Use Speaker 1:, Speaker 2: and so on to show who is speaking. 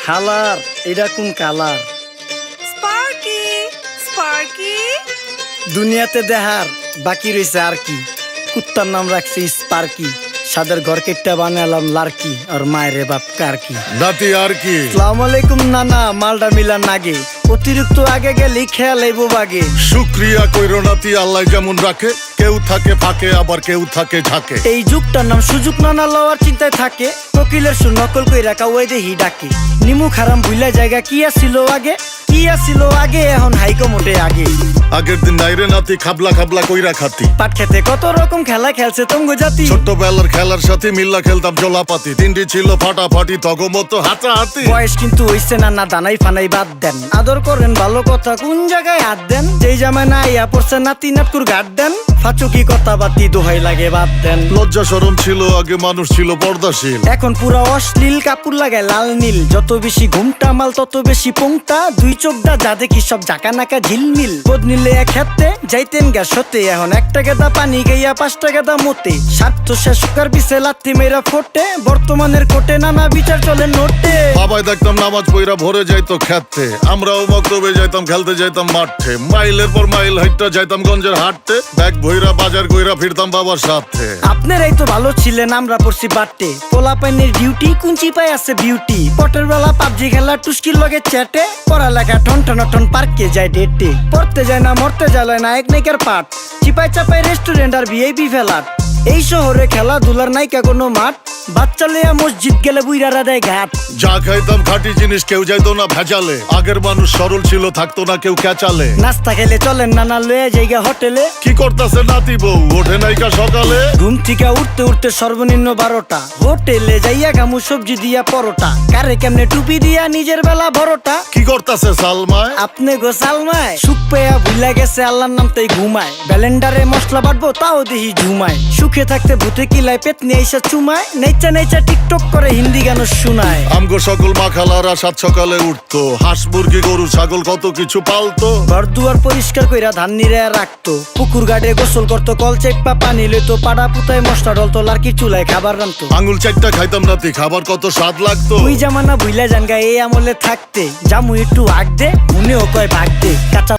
Speaker 1: খালার এটা কোন কালার?
Speaker 2: স্পার্কি স্পার্কি
Speaker 1: দুনিয়াতে দেহার বাকি রয়েছে আর কি। কুত্তার নাম রাখছি স্পার্কি, সাদের ঘর কেটটা বানালাম লার্কি, আর মায়ের বাপ কারকি।
Speaker 3: নাতি আর কি?
Speaker 1: আসসালামু আলাইকুম নানা, মালডা মিলা নাগে, অতিরিক্ত আগে গেলে খেয়াল আইব বাগে।
Speaker 3: শুক্রিয়া কইরো নাতি, আল্লাহ যেমন রাখে, কেউ থাকে ফাঁকে আবার কেউ থাকে ঝাঁকে।
Speaker 1: এই যুগটার নাম সুযোগ নানা লওয়ার চিন্তায় থাকে, কোকিলের সুর নকল কই রাখা ওই দেহি ডাকে। নিমু খারাম ভুলা জায়গা কি আসিল আগে, কি আসিল আগে, এখন হাইকো মোটে আগে।
Speaker 3: আগের দিন নাইরে নাতি খাবলা খাবলা কইরা খাতি,
Speaker 1: পাট খেতে কত রকম খেলা খেলছে তঙ্গ জাতি।
Speaker 3: ছোট্টবেলার খেলার সাথে মিল্লা খেলতাম জলাপাতি, তিনটি ছিল ফাটাফাটি তগমতো হাতাহাতি।
Speaker 1: বয়স কিন্তু হইছে না, না দানাই ফানাই বাদ দেন, আদর করেন ভালো কথা কোন জায়গায় হাত দেন। যেই জামায় না ইয়া পড়ছে নাতি নাটকুর গাট দেন, ফাচুকি কথা বাতি দোহাই লাগে বাদ দেন।
Speaker 3: লজ্জা শরম ছিল আগে, মানুষ ছিল পর্দাশীল,
Speaker 1: এখন পুরো অশ্লীল কাপড় লাগায় লাল নীল। যত বেশি ঘুমটা মাল তত বেশি পোংটা, দুই চোখটা যা দেখি সব জাকা নাকা ঝিলমিল। বোধ নিলে এক হাতে যাইতেন গা সতে, এখন একটা গেদা পানি গাইয়া 5টা গেদা মতে। স্বার্থ শেষ কার পিছে লাথি মেয়েরা ফোটে, বর্তমানের কোটে নানা বিচার চলে নোটে।
Speaker 3: বাবাই দেখতাম নামাজ পইরা ভরে যাইতো খেতে, আমরাও মক্তবে যাইতাম, খেলতে যাইতাম মাঠে। মাইলের পর মাইল হাইটটা যাইতাম গঞ্জের হাটতে, ব্যাগ ভইরা বাজার কইরা ফিরতাম বাবার সাথে।
Speaker 1: আপনারাই তো ভালো ছিলেন, আমরা পড়ছি বাটে। পোলা পাইনের ডিউটি কুঞ্চি পাই আছে বিউটি, পটের বেলা পাবজি খেলা টুস্কির লগে চ্যাটে। পড়ালেখা টন টন টন পার্কে যায় ডেটে, পড়তে যায় না মরতে যায় নায়ক নায়িকার পাঠ। চিপাই চাপাই রেস্টুরেন্ট আর ভিআইপি ফেলাট, এই শহরে খেলাধুলার নাইকা কোনো মাঠ। বাচ্চা লেয়া মসজিদ গেলে বুইরারা দেয় ঘাট।
Speaker 3: যা খাইতাম খাঁটি জিনিস, কেউ যাইতো না ভেজালে। আগের মানুষ সরল ছিল, থাকতো না কেউ ক্যাচালে।
Speaker 1: নাস্তা খেলে চলেন নানা লয়ে জায়গা হোটেলে।
Speaker 3: কি করতাছে নাতি বউ, ওঠে নাইকা সকালে।
Speaker 1: ঘুম থেকে উঠতে উঠতে সর্বনিম্ন 12টা, হোটেলে যাইয়া গামু সবজি দিয়া পরোটা। কারে কেমনে টুপি দিয়া নিজের বেলা বড়টা।
Speaker 3: কি করতাছে সালমায়?
Speaker 1: আপনি গো সালমায় সুখ পেয়া ভুলা গেছে আল্লাহর নাম তাই ঘুমায়। ব্যালেন্ডারে মশলা বাটবো তাও দেহি ঝুমায়, সুখে থাকতে ভূতে কিলায় পেট নিয়ে এসে চুমায়। নেচা নেচা টিকটক করে হিন্দি গান শুনায়।
Speaker 3: আমগো সকল মাখালারা সাত সকালে উঠতো, হাঁস মুরগি গরু ছাগল কত কিছু পালতো।
Speaker 1: ঘর দুয়ার পরিষ্কার কইরা ধান নিরে রাখতো, পুকুর গাড়ে গোসল করতো, কল চেপা পানি লইতো। পাড়া পুতায় মশলা ডলতো, লার্কি চুলায় খাবার রান্তো।
Speaker 3: আঙুল চারটা খাইতাম নাতি, খাবার কত স্বাদ লাগতো।
Speaker 1: ওই জামানা ভুইলা জানগা এই আমলে থাকতে, জামু একটু আগ দে মনেও কয় ভাগ দে। কাঁচা